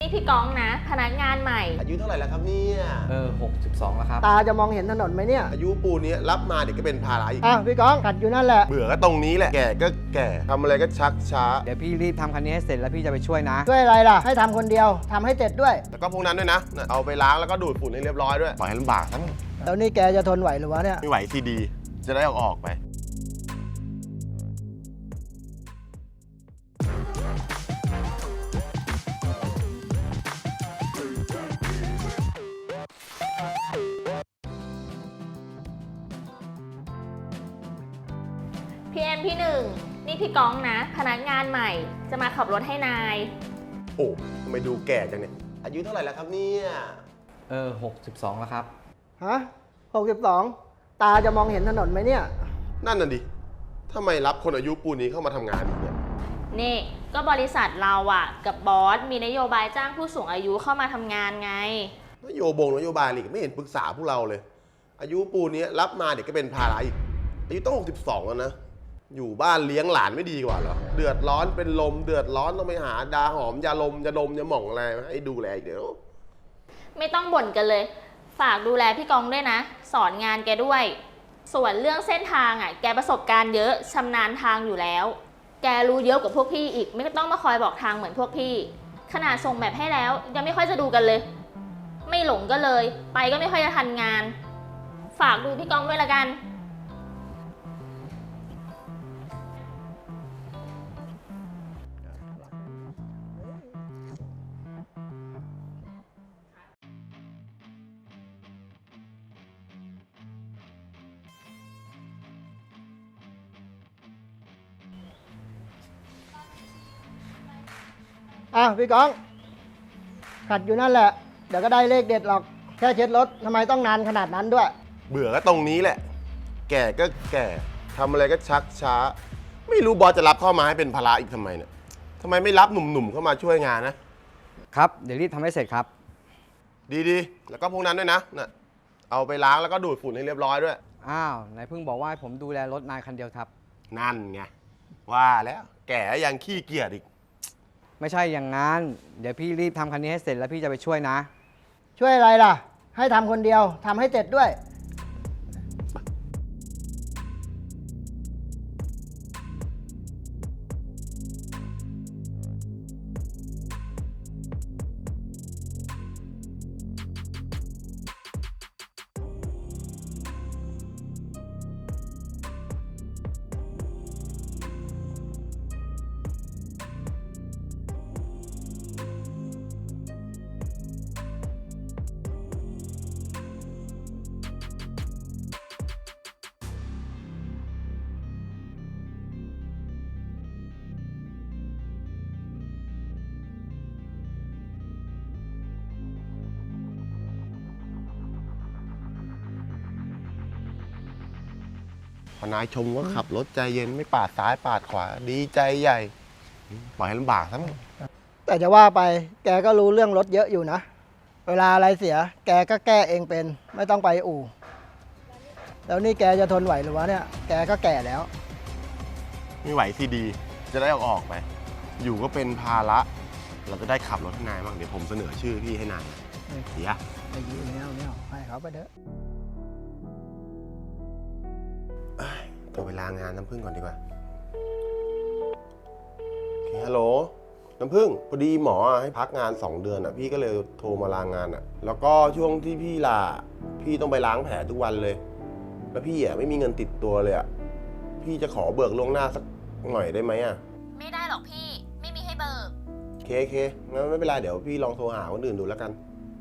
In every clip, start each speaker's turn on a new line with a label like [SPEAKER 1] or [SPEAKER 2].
[SPEAKER 1] นี่พี่ก้องนะพนักงานใหม่
[SPEAKER 2] อายุเท่าไหร่แล้วครับเนี่ย
[SPEAKER 3] 62แล้วครับ
[SPEAKER 4] ตาจะมองเห็นถนนไหมเนี่ย
[SPEAKER 2] อายุปูนี้รับมาเดี๋ยวก็เป็นภาระอีก
[SPEAKER 4] พี่ก้องขัดอยู่นั่นแหละ
[SPEAKER 2] เบื่อก็ตรงนี้แหละแก่ก็แก่ทำอะไรก็ชักช้า
[SPEAKER 3] เดี๋ยวพี่รีบทำคันนี้ให้เสร็จแล้วพี่จะไปช่วยนะ
[SPEAKER 4] ช่วยอะไรล่ะ ให้ทำคนเดียวทำให้เสร็จด้วย
[SPEAKER 2] แล้วก็พวกนั้นด้วยนะเอาไปล้างแล้วก็ดูดฝุ่นให้เรียบร้อยด้วยปล่อยให้ลำบากทั้ง
[SPEAKER 4] แล้วนี่แกจะทนไหวหรือวะเนี่ย
[SPEAKER 2] ไม่ไหวซีดีจะได้ออกไป
[SPEAKER 1] พี่เอ็มพี่หนึ่งนี่พี่ก้องนะพนักงานใหม่จะมาขับรถให้นาย
[SPEAKER 2] โอ้ทำไมดูแก่จังเนี่ยอายุเท่าไหร่แล้วครับเนี่ย
[SPEAKER 3] 62แล้วครับ
[SPEAKER 4] ฮะ62ตาจะมองเห็นถนนไหมเนี่ย
[SPEAKER 2] นั่นน่ะดิทำไมรับคนอายุปูนี้เข้ามาทำงานอีกเนี่ย
[SPEAKER 1] นี่ก็บริษัทเราอะกับบอสมีนโยบายจ้างผู้สูงอายุเข้ามาทำงานไง
[SPEAKER 2] นโยบายอีกไม่เห็นปรึกษาพวกเราเลย อายุปูนี้รับมาเดี๋ยวก็เป็นภาระอีกอายุต้อง62แล้วนะอยู่บ้านเลี้ยงหลานไม่ดีกว่าเหรอเดือดร้อนเป็นลมเดือดร้อนต้องไปหาดาหอมยาลมยาดมยาหม่องอะไรให้ดูแลอีกเดี๋ยว
[SPEAKER 1] ไม่ต้องบ่นกันเลยฝากดูแลพี่ก้องด้วยนะสอนงานแกด้วยส่วนเรื่องเส้นทางอะแกประสบการณ์เยอะชำนาญทางอยู่แล้วแกรู้เยอะกว่าพวกพี่อีกไม่ต้องมาคอยบอกทางเหมือนพวกพี่ขนาดส่งแบบให้แล้วยังไม่ค่อยจะดูกันเลยไม่หลงก็เลยไปก็ไม่ค่อยจะทันงานฝากดูพี่ก้องด้วยละกัน
[SPEAKER 4] พี่ก้องขัดอยู่นั่นแหละ เดี๋ยวก็ได้เลขเด็ดหรอก แค่เช็ดรถทำไมต้องนานขนาดนั้นด้วย
[SPEAKER 2] เบื่อก็ตรงนี้แหละ แก่ก็แก่ทำอะไรก็ชักช้า ไม่รู้บอสจะรับเข้ามาให้เป็นภาระอีกทำไมเนี่ยทำไมไม่รับหนุ่มๆเข้ามาช่วยงานนะครับ
[SPEAKER 3] เดี๋ยวรีบทำให้เสร็จครับ
[SPEAKER 2] ดีๆแล้วก็พวกนั้นด้วยนะเอาไปล้างแล้วก็ดูดฝุ่นให้เรียบร้อยด้วย
[SPEAKER 3] อ้าวไหนเพิ่งบอกว่าให้ผมดูแลรถนายคันเดียวครับ
[SPEAKER 2] นั่นไงว่าแล้วแก่ยังขี้เกียจอีก
[SPEAKER 3] ไม่ใช่อย่างนั้น เดี๋ยวพี่รีบทำคันนี้ให้เสร็จแล้วพี่จะไปช่วยนะ
[SPEAKER 4] ช่วยอะไรล่ะ ให้ทำคนเดียวทำให้เสร็จด้วย
[SPEAKER 2] พอนายชมว่าขับรถใจเย็นไม่ปาดซ้ายปาดขวาดีใจใหญ่ปล่อยให้ลำบากซะมั้ง
[SPEAKER 4] แต่จะว่าไปแกก็รู้เรื่องรถเยอะอยู่นะ เวลาอะไรเสีย แกก็แก้เองเป็น ไม่ต้องไปอู่ แล้วนี่แกจะทนไหวหรือวะเนี่ย แกก็แก่แล้ว
[SPEAKER 2] ไม่ไหวซีดีจะได้ออกไป อยู่ก็เป็นภาระเราจะได้ขับรถให้นายบ้างเดี๋ยวผมเสนอชื่อพี่ให้นายเดี๋ยว
[SPEAKER 4] ไอ้ยี่เนี่ยให้เขาไปเถอะ
[SPEAKER 2] ตัวไปลางานน้ำผึ้งก่อนดีกว่าโอเคฮัลโหลน้ำผึ้งพอดีหมอให้พักงาน2 เดือนพี่ก็เลยโทรมาลางานแล้วก็ช่วงที่พี่ลาพี่ต้องไปล้างแผลทุกวันเลย แล้วพี่ไม่มีเงินติดตัวเลยพี่จะขอเบิกล่วงหน้าสักหน่อยได้ไหม
[SPEAKER 1] ไม่ได้หรอกพี่ไม่มีให้เบิก
[SPEAKER 2] เคงั้นไม่เป็นไรเดี๋ยวพี่ลองโทรหาคนอื่นดูแล้วกัน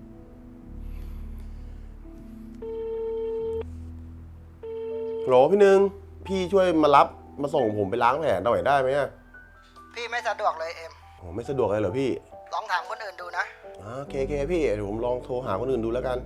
[SPEAKER 2] โหลพี่หนึ่งพี่ช่วยมารับมาส่งผมไปล้างแผลหน่อยได้ไหม
[SPEAKER 4] พี่ไม่สะดวกเลยเอ็ม
[SPEAKER 2] โอ้ไม่สะดวกเลยเหรอพี่
[SPEAKER 4] ลองถามคนอื่นดูนะ
[SPEAKER 2] โอเคพี่เดี๋ยวผมลองโทรหาคนอื่นดูแล้วกัน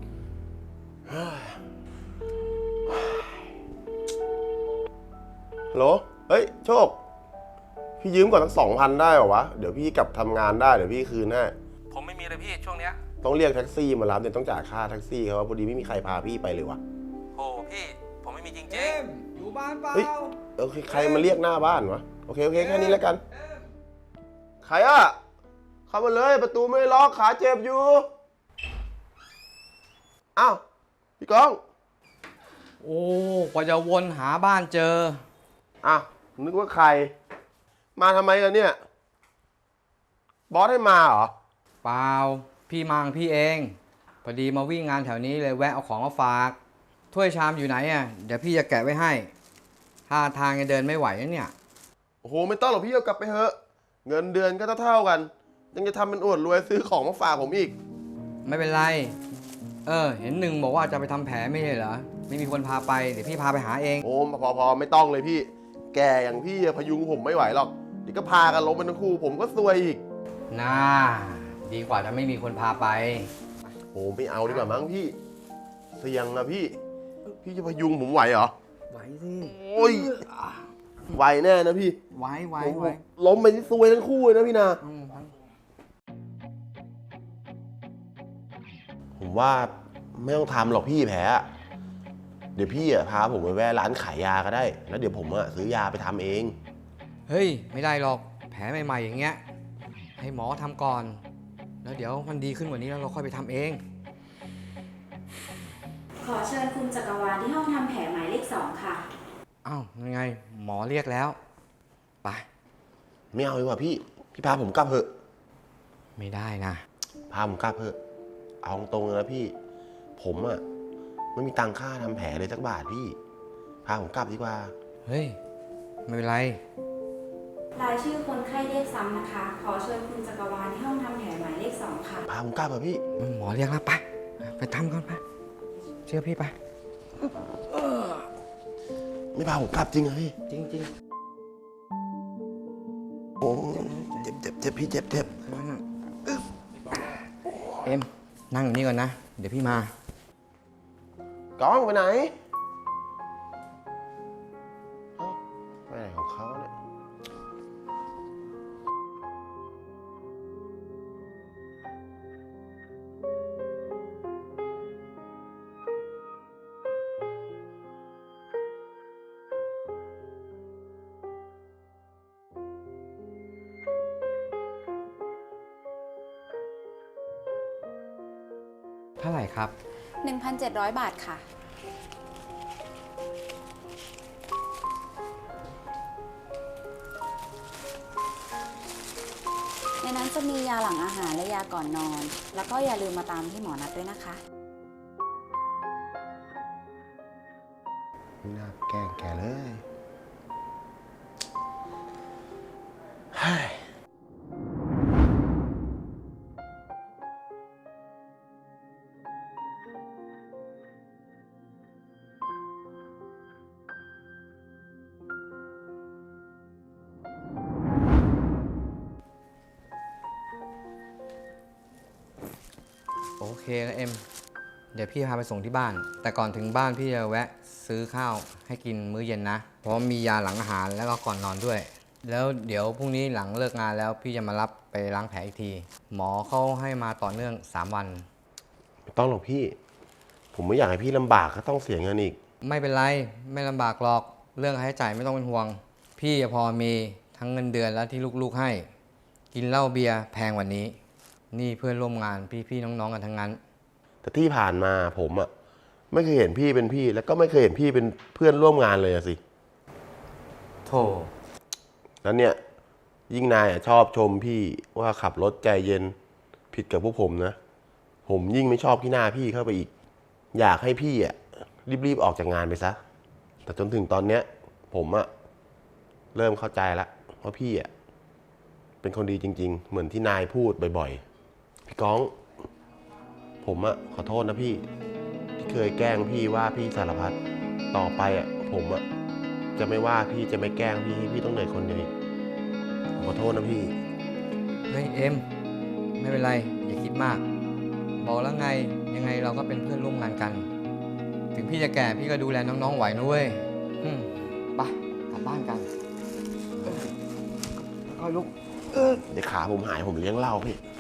[SPEAKER 2] ฮัลโหลเฮ้ยโชคพี่ยืมก่อนสัก2,000ได้เหรอวะเดี๋ยวพี่กลับทำงานได้เดี๋ยวพี่คืนให้
[SPEAKER 5] ผมไม่มีเลยพี่ช่วงเนี้ย
[SPEAKER 2] ต้องเรียกแท็กซี่มารับเนี่ยต้องจ่ายค่าแท็กซี่เขาพอดีไม่มีใครพาพี่ไปเลยวะ
[SPEAKER 5] โอ้พี่ผมไม่มีจริง
[SPEAKER 3] อยู่บ้านเปล่า
[SPEAKER 2] เฮ้ยใครมาเรียกหน้าบ้านวะโอเคแค่นี้แล้วกันใครเข้ามาเลยประตูไม่ล็อกขาเจ็บอยู่อ้าวพี่ก้อง
[SPEAKER 3] โอ้กว่าจะวนหาบ้านเจอ
[SPEAKER 2] อ้าวนึกว่าใคร มาทำไมกันเนี่ย บอสให้มาเหรอ
[SPEAKER 3] เปล่า พี่มาของพี่เอง พอดีมาวิ่งงานแถวนี้เลยแวะเอาของมาฝาก ถ้วยชามอยู่ไหนอ่ะ เดี๋ยวพี่จะแกะไว้ให้ท่าทางจะเดินไม่ไหวนะเนี่ย
[SPEAKER 2] โอ้โหไม่ต้องหรอกพี่เอากลับไปเถอะเงินเดือนก็เท่าๆกัน ยังจะทำเป็นอวดรวยซื้อของมาฝากผมอีก
[SPEAKER 3] ไม่เป็นไร เห็นหนึ่งบอกว่าจะไปทำแผลไม่ใช่เหรอ ไม่มีคนพาไป เดี๋ยวพี่พาไปหาเอง
[SPEAKER 2] โอ้พอไม่ต้องเลยพี่ แกอย่างพี่อะพยุงผมไม่ไหวหรอกเดี๋ยวก็พากันล้มเป็นทั้งคู่ผมก็ซวยอีก
[SPEAKER 3] น่า ดีกว่าจะไม่มีคนพาไป
[SPEAKER 2] โอ้ไม่เอาดีกว่ามั้งพี่ เสี่ยงนะพี่ พี่จะพยุงผมไหวเหรอ
[SPEAKER 3] ไหวสิ
[SPEAKER 2] โอ้ยไหวแน่นะพี่
[SPEAKER 3] ไหว
[SPEAKER 2] ผมล้มไปที่ซวยทั้งคู่เลยนะพี่นา ผมว่าไม่ต้องทำหรอกพี่แผลอะเดี๋ยวพี่อะพาผมไปแวะร้านขายยาก็ได้ แล้วเดี๋ยวผมอะซื้อยาไปทำเอง
[SPEAKER 3] เฮ้ย ไม่ได้หรอก แผลใหม่ๆอย่างเงี้ย ให้หมอทำก่อน แล้วเดี๋ยวมันดีขึ้นกว่านี้แล้วเราค่อยไปทำเอง
[SPEAKER 6] ขอเชิญคุณจักรวาลที่ห้องทำแผลหมายเลข 2 ค่ะ
[SPEAKER 3] อ้าวยังไง หมอเรียกแล้ว ไป
[SPEAKER 2] ไม่เอาดีกว่าพี่พาผมกลับเถอะ
[SPEAKER 3] ไม่ได้นะ
[SPEAKER 2] พาผมกลับเถอะเอาตรงๆเลยนะพี่ ผมอะไม่มีตังค่าทำแผลเลยสักบาทพี่ พาผมกลับดีกว่า
[SPEAKER 3] เฮ้ย ไม่เป็นไร
[SPEAKER 6] รายชื่อคนไข้เรียกซ้ำนะคะ ขอเชิญคุณจักรวาลที่ห้องทำแผลหมายเลข 2 ค่ะ
[SPEAKER 2] พาผมกลับเถอะพี่
[SPEAKER 3] หมอเรียกแล้วไป ไปทำก่อนไป เชื่อพี่ไป
[SPEAKER 2] ไม่พาผมกลับจริงเหรอพี่
[SPEAKER 3] จริง
[SPEAKER 2] โอ้เจ็บพี่เจ็บ
[SPEAKER 3] ๆ เอ็ม นั่งอยู่นี่ก่อนนะ เดี๋ยวพี่มา
[SPEAKER 2] ก้องไปไหนเอ้าไปไหนของเขาเนี่ย
[SPEAKER 3] เท่าไหร่ครับ
[SPEAKER 6] 1,700 บาทค่ะ ในนั้นจะมียาหลังอาหารและยาก่อนนอน แล้วก็อย่าลืมมาตามที่หมอนัดด้วยนะคะ
[SPEAKER 2] ไม่น่าแกล้งแกเลยเฮ้ย
[SPEAKER 3] โอเคนะเอ็ม เดี๋ยวพี่พาไปส่งที่บ้าน แต่ก่อนถึงบ้านพี่จะแวะซื้อข้าวให้กินมื้อเย็นนะ เพราะมียาหลังอาหารแล้วก็ก่อนนอนด้วย แล้วเดี๋ยวพรุ่งนี้หลังเลิกงานแล้วพี่จะมารับไปล้างแผลอีกที หมอเขาให้มาต่อเนื่อง3 วัน
[SPEAKER 2] ไม่ต้องหรอกพี่ ผมไม่อยากให้พี่ลำบากก็ต้องเสียเงินอีก
[SPEAKER 3] ไม่เป็นไร ไม่ลำบากหรอก เรื่องค่าใช้จ่ายไม่ต้องเป็นห่วง พี่พอมีทั้งเงินเดือนและที่ลูกๆให้ กินเหล้าเบียร์แพงกว่านี้ นี่เพื่อนร่วมงานพี่ๆน้องๆกันทั้งนั้น
[SPEAKER 2] แต่ที่ผ่านมาผมอะไม่เคยเห็นพี่เป็นพี่ แล้วก็ไม่เคยเห็นพี่เป็นเพื่อนร่วมงานเลยอะสิ
[SPEAKER 3] โถ
[SPEAKER 2] แล้วเนี่ยยิ่งนายอะชอบชมพี่ว่าขับรถใจเย็นผิดกับพวกผมนะ ผมยิ่งไม่ชอบขี้หน้าพี่เข้าไปอีก อยากให้พี่อะรีบๆออกจากงานไปซะ แต่จนถึงตอนเนี้ย ผมอะเริ่มเข้าใจแล้วว่าพี่อะเป็นคนดีจริง ๆ เหมือนที่นายพูดบ่อยๆพี่ก้อง ผมอะขอโทษนะพี่ที่เคยแกล้งพี่ว่าพี่สารพัดต่อไปอะผมอะจะไม่ว่าพี่จะไม่แกล้งพี่ให้พี่ต้องเหนื่อยคนเดียวอีกผมขอโทษนะพี่
[SPEAKER 3] เฮ้ยเอ็ม ไม่เป็นไร อย่าคิดมาก บอกแล้วไงยังไงเราก็เป็นเพื่อนร่วมงานกัน ถึงพี่จะแก่พี่ก็ดูแลน้องๆไหวนะเว้ยไปกลับบ้านกันค่อยลุก
[SPEAKER 2] เดี๋ยวขาผมหายผมเลี้ยงเหล้าพี่